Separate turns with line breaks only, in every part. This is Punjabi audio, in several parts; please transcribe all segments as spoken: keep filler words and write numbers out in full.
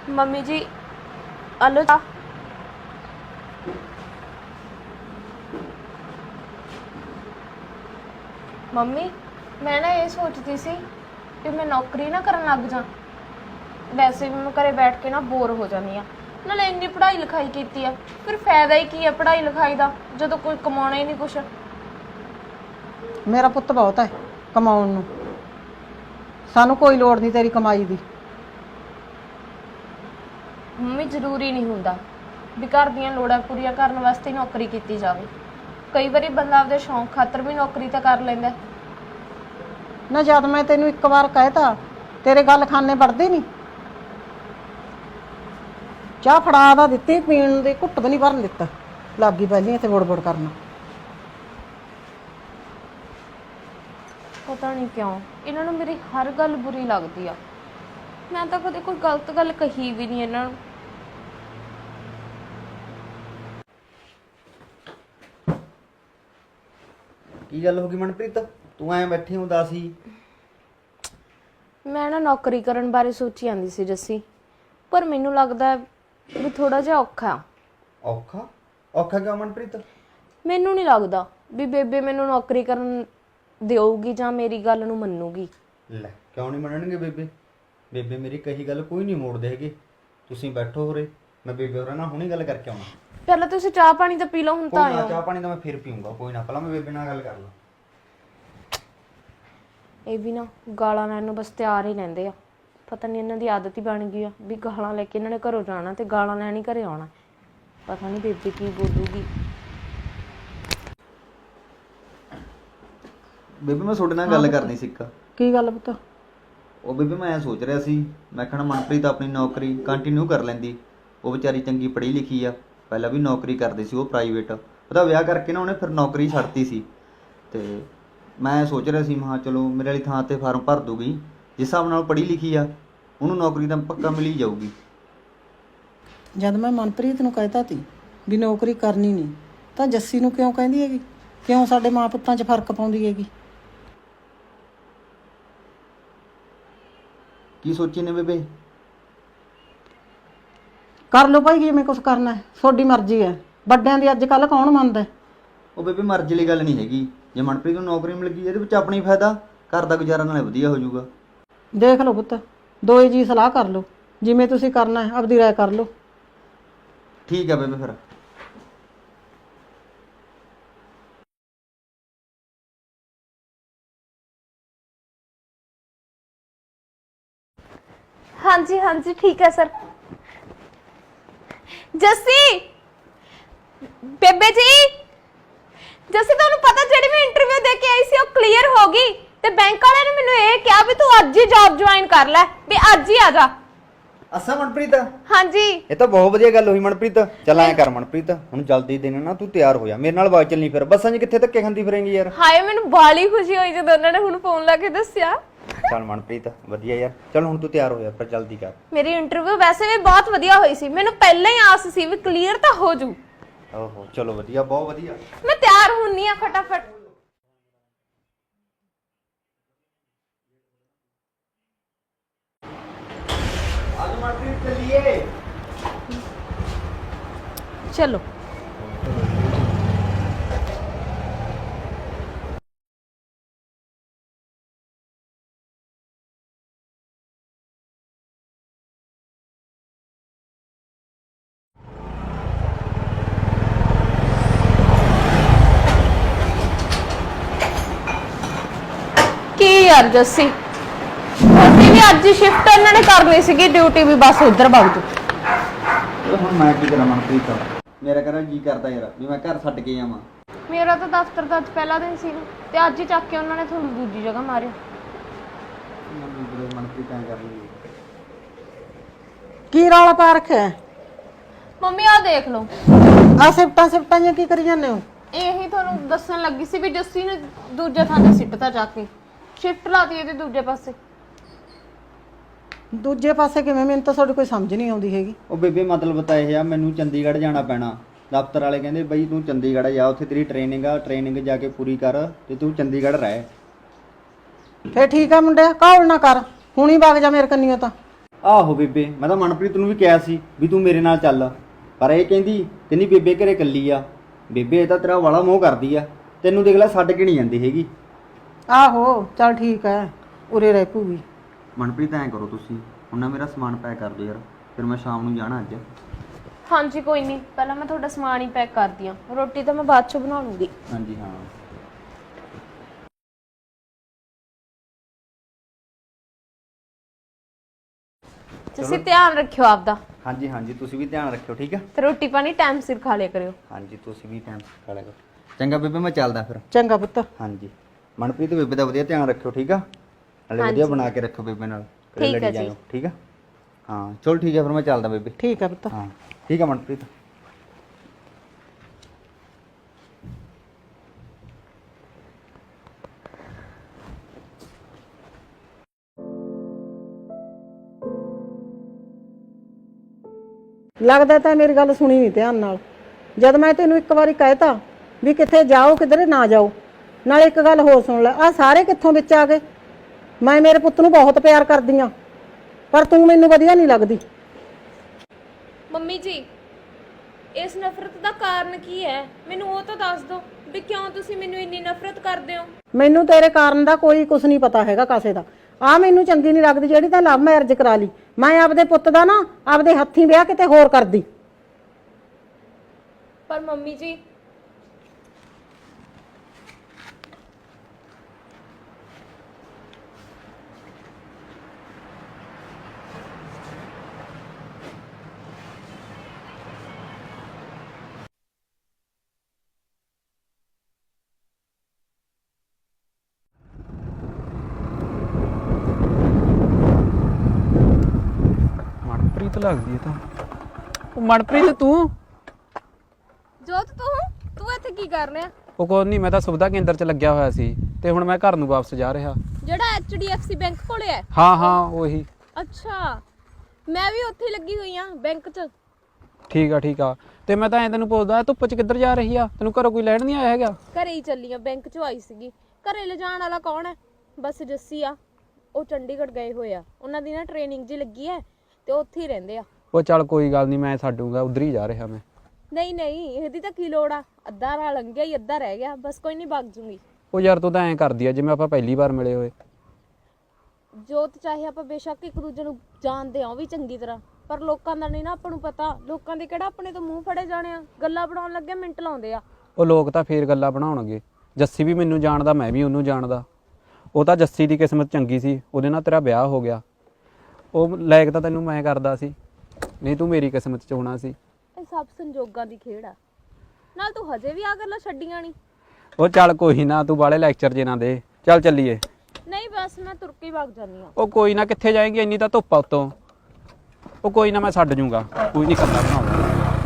मम्मी जी आलो चा। मम्मी मैं ना ये सोचती सी कि मैं नौकरी ना करन लग जा। वैसे भी मैं घरे बैठ के ना बोर हो जानी आ, नाले इन्नी पढ़ाई लिखाई कीती आ, फिर फायदा ही की है पढ़ाई लिखाई दा जदों कोई कमाउणा ही नहीं कुछ।
मेरा पुੱਤ बहुत है कमाउण ਨੂੰ, ਸਾਨੂੰ ਕੋਈ ਲੋੜ ਨਹੀਂ ਤੇਰੀ ਕਮਾਈ ਦੀ।
ਮੰਮੀ ਜ਼ਰੂਰੀ ਨਹੀਂ ਹੁੰਦਾ ਵੀ ਘਰ ਦੀਆਂ ਲੋੜਾਂ ਪੂਰੀਆਂ ਕਰਨ ਵਾਸਤੇ ਨੌਕਰੀ ਕੀਤੀ ਜਾਵੇ। ਕਈ ਵਾਰੀ ਬੰਦਾ ਆਪਦੇ ਸ਼ੌਂਕ ਖਾਤਰ ਵੀ ਨੌਕਰੀ ਤਾਂ ਕਰ ਲੈਂਦਾ।
ਨਾ ਜਦ ਮੈਂ ਤੈਨੂੰ ਇੱਕ ਵਾਰ ਕਹਿਤਾ ਤੇਰੇ ਗੱਲ ਖਾਨੇ ਵੜਦੇ ਨਹੀਂ। ਚਾਹ ਫੜਾ ਦਾ ਦਿੱਤੀ ਪੀਣ ਦੇ ਘੁੱਟ ਵੀ ਨਹੀਂ ਭਰਨ ਦਿੱਤਾ, ਲੱਗੀ ਪਹਿਲੀ ਇੱਥੇ ਬੋੜ ਬੋੜ ਕਰਨਾ।
ਪਤਾ ਨਹੀਂ ਕਿਉਂ ਇਹਨਾਂ ਨੂੰ ਮੇਰੀ ਹਰ ਗੱਲ ਬੁਰੀ ਲੱਗਦੀ ਆ। ਮੈਂ ਤਾਂ ਕਦੇ ਕੋਈ ਗਲਤ ਗੱਲ ਕਹੀ ਵੀ ਨਹੀਂ ਇਹਨਾਂ ਨੂੰ।
ਕੀ ਗੱਲ ਹੋ ਗਈ ਮਨਪ੍ਰੀਤ, ਤੂੰ ਐਂ ਬੈਠੀ ਉਦਾਸ ਸੀ?
ਮੈਂ ਨਾ ਨੌਕਰੀ ਕਰਨ ਬਾਰੇ ਸੋਚੀ ਜਾਂਦੀ ਸੀ ਜੱਸੀ, ਪਰ ਮੈਨੂੰ ਲੱਗਦਾ ਵੀ ਥੋੜਾ ਜਿਹਾ ਔਖਾ।
ਔਖਾ? ਔਖਾ ਕਿਉਂ ਮਨਪ੍ਰੀਤ?
ਮੈਨੂੰ ਨਹੀਂ ਲੱਗਦਾ ਵੀ ਬੇਬੇ ਮੈਨੂੰ ਨੌਕਰੀ ਕਰਨ ਦੇਊਗੀ ਜਾਂ ਮੇਰੀ ਗੱਲ ਨੂੰ ਮੰਨੂਗੀ।
ਲੈ ਕਿਉਂ ਨਹੀਂ ਮੰਨਣਗੇ ਬੇਬੇ? ਬੇਬੇ ਮੇਰੀ ਕਹੀ ਗੱਲ ਕੋਈ ਨਹੀਂ ਮੋੜਦੇ ਹੈਗੇ। ਤੁਸੀਂ ਬੈਠੋ ਹੋਰੇ, ਮੈਂ ਬੇਬੇ ਹੋਰਾਂ ਨਾਲ ਹੁਣੇ ਗੱਲ ਕਰਕੇ ਆਉਣਾ।
ਪਹਿਲਾਂ ਤੁਸੀਂ ਚਾਹ ਪਾਣੀ ਤਾਂ ਪੀ ਲਓ, ਹੁਣ ਤਾਂ ਆਇਓ।
ਚਾਹ ਪਾਣੀ ਤਾਂ ਮੈਂ ਫਿਰ ਪੀਊਂਗਾ, ਕੋਈ ਨਾ, ਪਹਿਲਾਂ ਮੈਂ ਬੇਬੇ ਨਾਲ ਗੱਲ ਕਰ ਲਾਂ।
ਇਹ ਵੀ ਨਾ ਗਾਲਾਂ ਲੈਣ ਨੂੰ ਬਸ ਤਿਆਰ ਹੀ ਰਹਿੰਦੇ ਆ। ਪਤਾ ਨਹੀਂ ਇਹਨਾਂ ਦੀ ਆਦਤ ਹੀ ਬਣ ਗਈ ਆ ਵੀ ਗਾਲਾਂ ਲੈ ਕੇ ਇਹਨਾਂ ਨੇ ਘਰੋਂ ਜਾਣਾ ਤੇ ਗਾਲਾਂ ਲੈਣ ਹੀ ਘਰੇ ਆਉਣਾ। ਪਤਾ ਨਹੀਂ ਬੇਬੇ ਕੀ ਬੋਲੂਗੀ।
ਬੇਬੇ ਮੈਂ ਤੁਹਾਡੇ ਨਾਲ ਗੱਲ ਕਰਨੀ ਸੀ। ਇੱਕ
ਕੀ ਗੱਲ ਪੁੱਤ?
ਉਹ ਬੇਬੇ ਮੈਂ ਐਂ ਸੋਚ ਰਿਹਾ ਸੀ, ਮੈਂ ਕਹਿਣਾ ਮਨਪ੍ਰੀਤ ਆਪਣੀ ਨੌਕਰੀ ਕੰਟੀਨਿਊ ਕਰ ਲੈਂਦੀ। ਉਹ ਵਿਚਾਰੀ ਚੰਗੀ ਪੜ੍ਹੀ ਲਿਖੀ ਆ, ਪਹਿਲਾਂ ਵੀ ਨੌਕਰੀ ਕਰਦੀ ਸੀ ਉਹ ਪ੍ਰਾਈਵੇਟ। ਉਹਦਾ ਵਿਆਹ ਕਰਕੇ ਨਾ ਉਹਨੇ ਫਿਰ ਨੌਕਰੀ ਛੱਡਤੀ ਸੀ। ਤੇ ਮੈਂ ਸੋਚ ਰਿਹਾ ਸੀ ਮਹਾ ਚਲੋ ਮੇਰੇ ਵਾਲੀ ਥਾਂ 'ਤੇ ਫਾਰਮ ਭਰ ਦੂਗੀ। ਜਿਸ ਹਿਸਾਬ ਨਾਲ ਪੜ੍ਹੀ ਲਿਖੀ ਆ ਉਹਨੂੰ ਨੌਕਰੀ ਤਾਂ ਪੱਕਾ ਮਿਲ ਹੀ ਜਾਊਗੀ।
ਜਦ ਮੈਂ ਮਨਪ੍ਰੀਤ ਨੂੰ ਕਹਿਤਾ ਤੀ ਵੀ ਨੌਕਰੀ ਕਰਨੀ ਨਹੀਂ, ਤਾਂ ਜੱਸੀ ਨੂੰ ਕਿਉਂ ਕਹਿੰਦੀ ਹੈਗੀ? ਕਿਉਂ ਸਾਡੇ ਮਾਂ ਪੁੱਤਾਂ 'ਚ ਫਰਕ ਪਾਉਂਦੀ ਹੈਗੀ?
ਕੀ ਸੋਚੀ ਨੇ ਬੇਬੇ?
ਕਰ ਲਓ ਭਾਈ ਜਿਵੇਂ ਕੁਛ ਕਰਨਾ ਹੈ, ਤੁਹਾਡੀ ਮਰਜ਼ੀ ਹੈ। ਵੱਡਿਆਂ ਦੀ ਅੱਜ ਕੱਲ੍ਹ ਕੌਣ ਮੰਨਦਾ?
ਉਹ ਬੇਬੇ ਮਰਜ਼ੀ ਵਾਲੀ ਗੱਲ ਨਹੀਂ ਹੈਗੀ। ਜੇ ਮਨਪ੍ਰੀਤ ਨੂੰ ਨੌਕਰੀ ਮਿਲ ਗਈ ਇਹਦੇ ਵਿੱਚ ਆਪਣਾ ਹੀ ਫਾਇਦਾ, ਘਰ ਦਾ ਗੁਜ਼ਾਰਾ ਨਾਲੇ ਵਧੀਆ ਹੋ ਜਾਊਗਾ।
ਦੇਖ ਲਓ ਪੁੱਤ, ਦੋਏ ਜੀ ਸਲਾਹ ਕਰ ਲਓ, ਜਿਵੇਂ ਤੁਸੀਂ ਕਰਨਾ ਹੈ ਆਪਦੀ ਰਾਏ ਕਰ ਲਓ।
ਠੀਕ ਆ ਬੇਬੇ ਫਿਰ।
हाँ जी हाँ जी ठीक है सर। जस्सी बेबे जी, जस्सी ਤੁਹਾਨੂੰ ਪਤਾ ਜਿਹੜੀ ਮੈਂ ਇੰਟਰਵਿਊ ਦੇ ਕੇ ਆਈ ਸੀ ਉਹ ਕਲੀਅਰ ਹੋ ਗਈ ਤੇ ਬੈਂਕ ਵਾਲਿਆਂ ਨੇ ਮੈਨੂੰ ਇਹ ਕਿਹਾ ਵੀ ਤੂੰ ਅੱਜ ਹੀ ਜੌਬ ਜੁਆਇਨ ਕਰ ਲੈ, ਵੀ ਅੱਜ ਹੀ ਆ ਜਾ।
ਅੱਛਾ ਮਨਪ੍ਰੀਤ,
ਹਾਂਜੀ
ਇਹ ਤਾਂ ਬਹੁਤ ਵਧੀਆ ਗੱਲ ਹੋਈ ਮਨਪ੍ਰੀਤ। ਚੱਲ ਐਂ ਕਰ ਮਨਪ੍ਰੀਤ, ਹੁਣ ਜਲਦੀ ਦੇਣਾ ਨਾ, ਤੂੰ ਤਿਆਰ ਹੋ ਜਾ, ਮੇਰੇ ਨਾਲ ਬਾਅਦ ਚੱਲਣੀ। ਫਿਰ ਬੱਸਾਂ 'ਚ ਕਿੱਥੇ ਧੱਕੇ ਖਾਂਦੀ ਫਿਰੇਂਗੀ ਯਾਰ।
ਹਾਏ ਮੈਨੂੰ ਬਾਲੀ ਖੁਸ਼ੀ ਹੋਈ ਜਦੋਂ ਉਹਨਾਂ ਨੇ ਹੁਣ ਫੋਨ ਲਾ ਕੇ ਦੱਸਿਆ।
ਚੱਲ ਮਨਪ੍ਰੀਤ ਵਧੀਆ ਯਾਰ, ਚੱਲ ਹੁਣ ਤੂੰ ਤਿਆਰ ਹੋ ਜਾ, ਪਰ ਜਲਦੀ ਕਰ।
ਮੇਰੀ ਇੰਟਰਵਿਊ ਵੈਸੇ ਵੀ ਬਹੁਤ ਵਧੀਆ ਹੋਈ ਸੀ, ਮੈਨੂੰ ਪਹਿਲਾਂ ਹੀ ਆਸ ਸੀ ਵੀ ਕਲੀਅਰ ਤਾਂ ਹੋ ਜੂ।
ਓਹੋ ਚਲੋ ਵਧੀਆ, ਬਹੁਤ ਵਧੀਆ।
ਮੈਂ ਤਿਆਰ ਹੁੰਨੀ ਆ ਫਟਾਫਟ।
ਅੱਜ ਮਨਪ੍ਰੀਤ ਚੱਲੀਏ।
ਚਲੋ ਕੀ ਯਾਰ ਜੱਸੀ, ਤੁਹਾਡੀ ਵੀ ਅੱਜ ਸ਼ਿਫਟ ਇਹਨਾਂ ਨੇ ਕਰਨੀ ਸੀਗੀ, ਡਿਊਟੀ ਵੀ ਬਸ ਉਧਰ ਵਗ ਜੂ।
ਹੁਣ ਮੈਂ ਕੀ ਕਰਾਂ ਮਨਪ੍ਰੀਤ, ਮੇਰਾ ਘਰ ਜੀ ਕਰਦਾ ਯਾਰ ਵੀ ਮੈਂ ਘਰ ਛੱਡ ਕੇ ਜਾਵਾਂ।
ਮੇਰਾ ਤਾਂ ਦਫ਼ਤਰ ਦਾ ਅੱਜ ਪਹਿਲਾ ਦਿਨ ਸੀ ਤੇ ਅੱਜ ਹੀ ਚੱਕ ਕੇ ਉਹਨਾਂ ਨੇ ਤੁਹਾਨੂੰ ਦੂਜੀ ਜਗ੍ਹਾ ਮਾਰਿਆ।
ਮਨਪ੍ਰੀਤ ਐਂ ਕਰ ਲਈ।
ਕੀ ਰੌਲਾ ਪਾ ਰੱਖਿਆ?
ਮੰਮੀ ਆਹ ਦੇਖ ਲਓ,
ਆ ਸਿਫਟਾਂ ਸਿਫਟਾਂ ਜਿਹੀਆਂ ਕੀ ਕਰੀ ਜਾਂਦੇ ਹੋ?
ਇਹੀ ਤੁਹਾਨੂੰ ਦੱਸਣ ਲੱਗੀ ਸੀ ਵੀ ਜੱਸੀ ਨੇ ਦੂਜੇ ਥਾਂ ਤੇ ਸਿੱਟਤਾ ਜਾ ਕੇ, ਸ਼ਿਫਟ ਲਾਤੀ ਇਹਦੇ ਦੂਜੇ ਪਾਸੇ।
ਦੂਜੇ ਪਾਸੇ ਕਿਵੇਂ? ਮੈਨੂੰ ਤਾਂ ਤੁਹਾਡੀ ਕੋਈ ਸਮਝ ਨਹੀਂ ਆਉਂਦੀ ਹੈਗੀ।
ਉਹ ਬੇਬੇ ਮਤਲਬ ਤਾਂ ਇਹ ਆ, ਮੈਨੂੰ ਚੰਡੀਗੜ੍ਹ ਜਾਣਾ ਪੈਣਾ। ਦਫ਼ਤਰ ਵਾਲੇ ਕਹਿੰਦੇ ਬਈ ਤੂੰ ਚੰਡੀਗੜ੍ਹ ਜਾ, ਉੱਥੇ ਤੇਰੀ ਟ੍ਰੇਨਿੰਗ ਆ, ਟ੍ਰੇਨਿੰਗ ਜਾ ਕੇ ਪੂਰੀ ਕਰ ਤੇ ਤੂੰ ਚੰਡੀਗੜ੍ਹ ਰਹਿ।
ਫੇਰ ਠੀਕ ਆ ਮੁੰਡਿਆ, ਕਾਹਲ ਨਾ ਕਰ, ਹੁਣੀ ਵਗ ਜਾ ਮੇਰੇ ਕੰਨੀਓ। ਤਾਂ
ਆਹੋ ਬੇਬੇ, ਮੈਂ ਤਾਂ ਮਨਪ੍ਰੀਤ ਨੂੰ ਵੀ ਕਿਹਾ ਸੀ ਵੀ ਤੂੰ ਮੇਰੇ ਨਾਲ ਚੱਲ, ਪਰ ਇਹ ਕਹਿੰਦੀ ਕਹਿੰਦੀ ਬੇਬੇ ਘਰੇ ਇਕੱਲੀ ਆ। ਬੇਬੇ ਇਹ ਤਾਂ ਤੇਰਾ ਵਾਲਾ ਮੋਹ ਕਰਦੀ ਆ, ਤੈਨੂੰ ਦੇਖ ਲੈ ਛੱਡ ਕੇ ਨਹੀਂ ਜਾਂਦੀ ਹੈਗੀ।
ਆਹੋ ਚੱਲ ਠੀਕ ਹੈ, ਉਰੇ ਰਹਿ ਪੂਗੀ।
ਮਨਪ੍ਰੀਤ ਐਂ ਕਰੋ ਤੁਸੀਂ ਹੁਣ ਨਾ ਮੇਰਾ ਸਮਾਨ ਪੈਕ ਕਰ ਦਿਓ ਯਾਰ, ਫਿਰ ਮੈਂ ਸ਼ਾਮ ਨੂੰ ਜਾਣਾ ਅੱਜ।
ਹਾਂਜੀ ਕੋਈ ਨਹੀਂ, ਪਹਿਲਾਂ ਮੈਂ ਤੁਹਾਡਾ ਸਮਾਨ ਹੀ ਪੈਕ ਕਰਦੀ ਆ, ਰੋਟੀ ਤਾਂ ਮੈਂ ਬਾਅਦ ਚ ਬਣਾ ਲੂੰਗੀ।
ਹਾਂਜੀ ਹਾਂ।
ਤੁਸੀਂ ਧਿਆਨ ਰੱਖਿਓ ਆਪਦਾ।
ਹਾਂਜੀ ਹਾਂਜੀ ਤੁਸੀਂ ਵੀ ਧਿਆਨ ਰੱਖਿਓ, ਠੀਕ ਆ।
ਤੇ ਰੋਟੀ ਪਾਣੀ ਟਾਈਮ ਸਿਰ ਖਾ ਲਿਆ ਕਰਿਓ।
ਹਾਂਜੀ ਤੁਸੀਂ ਵੀ ਟਾਈਮ ਖਾ ਲਿਆ ਕਰੋ। ਚੰਗਾ ਬੇਬੇ ਮੈਂ ਚੱਲਦਾ ਫਿਰ।
ਚੰਗਾ ਪੁੱਤ।
ਹਾਂਜੀ ਮਨਪ੍ਰੀਤ ਬੇਬੇ ਦਾ ਵਧੀਆ ਧਿਆਨ ਰੱਖਿਓ, ਠੀਕ ਆ। ਨਾਲੇ ਵਧੀਆ ਬਣਾ ਕੇ ਰੱਖੋ ਬੇਬੇ ਨਾਲ, ਕਦੇ
ਠੀਕ ਆ
ਲੜੀ
ਜੀ।
ਜਾਇਓ, ਠੀਕ ਆ। ਹਾਂ ਚਲ ਠੀਕ ਆ ਫਿਰ ਮੈਂ ਚੱਲਦਾ ਬੇਬੇ।
ਠੀਕ ਹੈ ਪੁੱਤ।
ਹਾਂ ਠੀਕ ਆ ਮਨਪ੍ਰੀਤ।
ਲੱਗਦਾ ਤਾਂ ਮੇਰੀ ਗੱਲ ਸੁਣੀ ਨਹੀਂ ਧਿਆਨ ਨਾਲ। ਜਦ ਮੈਂ ਤੈਨੂੰ ਇੱਕ ਵਾਰੀ ਕਹਿਤਾ ਵੀ ਕਿੱਥੇ ਜਾਓ ਕਿਧਰੇ ਨਾ ਜਾਓ, ਨਾਲੇ ਇੱਕ ਗੱਲ ਹੋਰ ਸੁਣ ਲੈ, ਆ ਸਾਰੇ ਕਿੱਥੋਂ ਵਿੱਚ ਆ ਗਏ? ਮੈਂ ਮੇਰੇ ਪੁੱਤ ਨੂੰ ਬਹੁਤ ਪਿਆਰ ਕਰਦੀ ਆ, ਪਰ ਤੂੰ ਮੈਨੂੰ ਵਧੀਆ ਨਹੀਂ ਲੱਗਦੀ।
ਮੰਮੀ ਜੀ ਇਸ ਨਫ਼ਰਤ ਦਾ ਕਾਰਨ ਕੀ ਹੈ, ਮੈਨੂੰ ਉਹ ਤਾਂ ਦੱਸ ਦਿਓ ਵੀ ਕਿਉਂ ਤੁਸੀਂ ਮੈਨੂੰ ਇੰਨੀ ਨਫ਼ਰਤ ਕਰਦੇ ਹੋ।
ਮੈਨੂੰ ਤੇਰੇ ਕਾਰਨ ਦਾ ਕੋਈ ਕੁਝ ਨਹੀਂ ਪਤਾ ਹੈਗਾ ਕਾਸੇ ਦਾ। ਆ ਮੈਨੂੰ ਚੰਗੀ ਨਹੀਂ ਲੱਗਦੀ ਜਿਹੜੀ ਤਾਂ ਲਵ ਮੈਰਿਜ ਕਰਾ ਲਈ। ਮੈਂ ਆਪਦੇ ਪੁੱਤ ਦਾ ਨਾ ਆਪਦੇ ਹੱਥੀਂ ਵਿਆਹ ਕਿਤੇ ਹੋਰ ਕਰਦੀ।
ਪਰ ਮੰਮੀ ਜੀ
ਮਨਪ੍ਰੀਤ ਲੱਗਦੀ ਹੈ ਤਾਂ। ਉਹ ਮਨਪ੍ਰੀਤ ਤੂੰ?
ਜੋਤ ਤੂੰ ਤੂੰ ਇੱਥੇ ਕੀ ਕਰ ਰਿਹਾ?
ਉਹ ਕੋਈ ਨਹੀਂ, ਮੈਂ ਤਾਂ ਸੁਵਿਧਾ ਕੇਂਦਰ 'ਚ ਲੱਗਿਆ ਹੋਇਆ ਸੀ ਤੇ ਹੁਣ ਮੈਂ ਘਰ ਨੂੰ ਵਾਪਸ ਜਾ ਰਿਹਾ।
ਜਿਹੜਾ H D F C bank ਕੋਲੇ ਹੈ?
ਹਾਂ ਹਾਂ ਉਹੀ।
ਅੱਛਾ ਮੈਂ ਵੀ ਉੱਥੇ ਲੱਗੀ ਹੋਈ ਆ ਬੈਂਕ 'ਚ।
ਠੀਕ ਆ ਠੀਕ ਆ। ਤੇ ਮੈਂ ਤਾਂ ਐਂ ਤੈਨੂੰ ਪੁੱਛਦਾ ਧੁੱਪ 'ਚ ਕਿੱਧਰ ਜਾ ਰਹੀ ਆ? ਤੈਨੂੰ ਘਰੋਂ ਕੋਈ ਲੈਣ ਨਹੀਂ ਆਇਆ ਹੈਗਾ?
ਘਰੇ ਹੀ ਚੱਲੀ ਆ, ਬੈਂਕ 'ਚੋਂ ਆਈ ਸੀਗੀ। ਘਰੇ ਲਿਜਾਣ ਵਾਲਾ ਕੌਣ ਹੈ? ਬਸ ਜੱਸੀ ਆ, ਉਹ ਚੰਡੀਗੜ੍ਹ ਗਏ ਹੋਏ ਆ, ਉਹਨਾਂ ਦੀ ਨਾ ਟ੍ਰੇਨਿੰਗ ਜੀ ਲੱਗੀ ਹੈ ਤੇ ਉੱਥੇ ਹੀ ਰਹਿੰਦੇ ਆ।
ਉਹ ਚੱਲ ਕੋਈ ਗੱਲ ਨਹੀਂ, ਮੈਂ ਛੱਡੂਗਾ, ਉਧਰ ਹੀ ਜਾ ਰਿਹਾ ਮੈਂ।
ਨਹੀਂ ਨਹੀਂ ਇਹਦੀ ਤਾਂ ਕੀ ਲੋੜ ਆ, ਅੱਧਾ ਰਾਹ ਲੰਘ ਗਿਆ ਹੀ, ਅੱਧਾ ਰਹਿ ਗਿਆ, ਬਸ ਕੋਈ ਨਹੀਂ, ਵਗ ਜੂੰਗੀ।
ਉਹ ਯਾਰ ਤੂੰ ਤਾਂ ਐਂ ਕਰਦੀ ਆ ਜਿਵੇਂ ਆਪਾਂ ਪਹਿਲੀ ਵਾਰ ਮਿਲੇ ਹੋਏ।
ਜੋਤ ਚਾਹੇ ਆਪਾਂ ਬੇਸ਼ੱਕ ਇੱਕ ਦੂਜੇ ਨੂੰ ਜਾਣਦੇ ਆ ਉਹ ਵੀ ਚੰਗੀ ਤਰ੍ਹਾਂ, ਪਰ ਲੋਕਾਂ ਦਾ ਨਹੀਂ ਨਾ ਆਪਾਂ ਨੂੰ ਪਤਾ। ਲੋਕਾਂ ਦੇ ਕਿਹੜਾ ਆਪਣੇ ਤੋਂ ਮੂੰਹ ਫੜੇ ਜਾਣੇ ਆ, ਗੱਲਾਂ ਬਣਾਉਣ ਲੱਗੇ ਮਿੰਟ ਲਾਉਂਦੇ ਆ।
ਉਹ ਲੋਕ ਤਾਂ ਫੇਰ ਗੱਲਾਂ ਬਣਾਉਣਗੇ। ਜੱਸੀ ਵੀ ਮੈਨੂੰ ਜਾਣਦਾ, ਮੈਂ ਵੀ ਉਹਨੂੰ ਜਾਣਦਾ। ਉਹ ਤਾਂ ਜੱਸੀ ਦੀ ਕਿਸਮਤ ਚੰਗੀ ਸੀ, ਉਹਦੇ ਨਾਲ ਤੇਰਾ ਵਿਆਹ ਹੋ ਗਿਆ। ਉਹ ਲਾਇਕ ਤਾਂ ਤੈਨੂੰ ਮੈਂ ਕਰਦਾ ਸੀ, ਨਹੀਂ ਤੂੰ ਮੇਰੀ ਕਿਸਮਤ 'ਚ ਹੋਣਾ ਸੀ।
ਇਹ ਸਭ ਸੰਜੋਗਾਂ ਦੀ ਖੇਡ ਆ। ਨਾਲ ਤੂੰ ਹਜੇ ਵੀ ਆ ਗੱਲਾਂ ਛੱਡੀਆਂ ਨਹੀਂ।
ਉਹ ਚੱਲ ਕੋਈ ਨਾ, ਤੂੰ ਬਾਲੇ ਲੈਕਚਰ ਜੇ ਨਾ ਦੇ, ਚੱਲ ਚੱਲੀਏ।
ਨਹੀਂ ਬਸ ਮੈਂ ਤੁਰ ਕੇ ਵਗ ਜਾਂਦੀ ਆ।
ਉਹ ਕੋਈ ਨਾ, ਕਿੱਥੇ ਜਾਏਂਗੀ, ਇੰਨੀ ਤਾਂ ਧੁੱਪ ਆ ਉੱਤੋਂ। ਉਹ ਕੋਈ ਨਾ, ਮੈਂ ਛੱਡ ਜੂੰਗਾ, ਕੋਈ ਨਹੀਂ ਕੱਲਾ ਬਣਾਉਂਦਾ।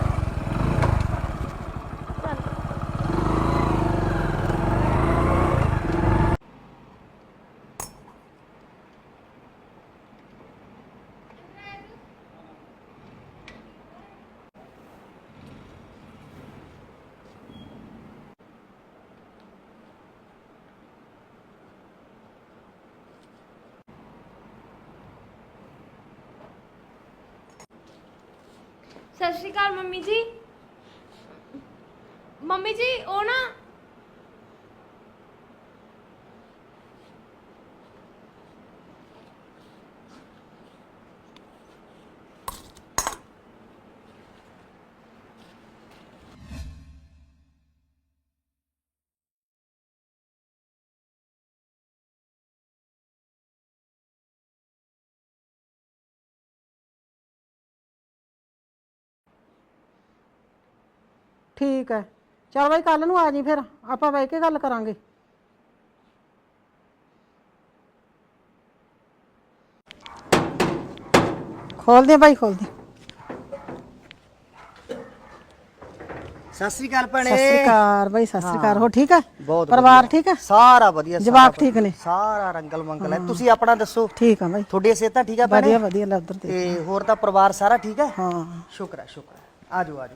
ਸਤਿ ਸ਼੍ਰੀ ਅਕਾਲ ਮੰਮੀ ਜੀ। ਮੰਮੀ ਜੀ ਉਹ ਨਾ
ਠੀਕ ਹੈ, ਚਲ ਬਾਈ ਕੱਲ ਨੂੰ ਆ ਜੀ, ਫਿਰ ਆਪਾਂ ਬਹਿ ਕੇ ਗੱਲ ਕਰਾਂਗੇ। ਖੋਲ ਦੇ ਬਾਈ, ਖੋਲ ਦੇ।
ਸਤਿ ਸ੍ਰੀ ਅਕਾਲ ਭੈਣੇ।
ਸਤਿ ਸ੍ਰੀ ਅਕਾਲ ਬਾਈ, ਸਤਿ ਸ੍ਰੀ ਅਕਾਲ। ਹੋ ਠੀਕ ਹੈ?
ਬਹੁਤ
ਪਰਿਵਾਰ ਠੀਕ ਹੈ?
ਸਾਰਾ ਵਧੀਆ।
ਜਵਾਕ ਠੀਕ ਨੇ?
ਸਾਰਾ ਰੰਗਲ ਮੰਗਲ ਹੈ। ਤੁਸੀਂ ਆਪਣਾ ਦੱਸੋ?
ਠੀਕ ਆ ਬਾਈ,
ਤੁਹਾਡੀ ਸਿਹਤਾਂ ਠੀਕ ਆ ਭੈਣੇ?
ਵਧੀਆ ਵਧੀਆ। ਲੈ ਉਧਰ ਦੇ।
ਤੇ ਹੋਰ ਤਾਂ ਪਰਿਵਾਰ ਸਾਰਾ ਠੀਕ ਹੈ?
ਹਾਂ
ਸ਼ੁਕਰ ਹੈ ਸ਼ੁਕਰ ਹੈ। ਆਜੋ ਆਜੋ।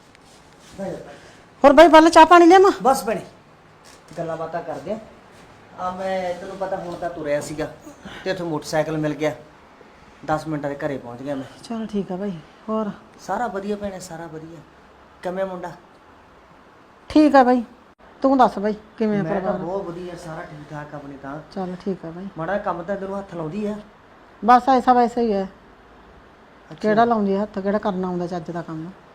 ਹੋਰ ਬਾਈ ਪਹਿਲਾਂ ਚਾਹ ਪਾਣੀ ਲਿਆਵਾਂ?
ਬਸ ਭੈਣੇ ਗੱਲਾਂ ਬਾਤਾਂ ਕਰਦੇ ਆ। ਆ ਮੈਂ ਤੈਨੂੰ ਪਤਾ ਹੁਣ ਤਾਂ ਤੁਰਿਆ ਸੀਗਾ ਤੇ ਉੱਥੇ ਮੋਟਰਸਾਈਕਲ ਮਿਲ ਗਿਆ ਦਸ ਮਿੰਟਾਂ ਦੇ ਘਰੇ ਪਹੁੰਚ ਗਿਆ ਮੈਂ।
ਚਲ ਠੀਕ ਆ ਬਾਈ। ਹੋਰ
ਸਾਰਾ ਵਧੀਆ ਭੈਣੇ, ਸਾਰਾ ਵਧੀਆ। ਕਿਵੇਂ ਮੁੰਡਾ?
ਠੀਕ ਆ ਬਾਈ, ਤੂੰ ਦੱਸ ਬਾਈ ਕਿਵੇਂ ਆ
ਮੈਂ ਤਾਂ
ਪਰਿਵਾਰ?
ਬਹੁਤ ਵਧੀਆ, ਸਾਰਾ ਠੀਕ ਠਾਕ ਆਪਣੇ ਤਾਂ।
ਚਲ ਠੀਕ ਆ ਬਾਈ।
ਮਾੜਾ ਜਿਹਾ ਕੰਮ ਤਾਂ ਤੈਨੂੰ ਹੱਥ ਲਾਉਂਦੀ ਆ।
ਬਸ ਐਸਾ ਵੈਸਾ ਹੀ ਹੈ। ਕਿਹੜਾ ਲਾਉਂਦੀ ਆ ਹੱਥ, ਕਿਹੜਾ ਕਰਨਾ ਆਉਂਦਾ ਚੱਜ ਦਾ ਕੰਮ।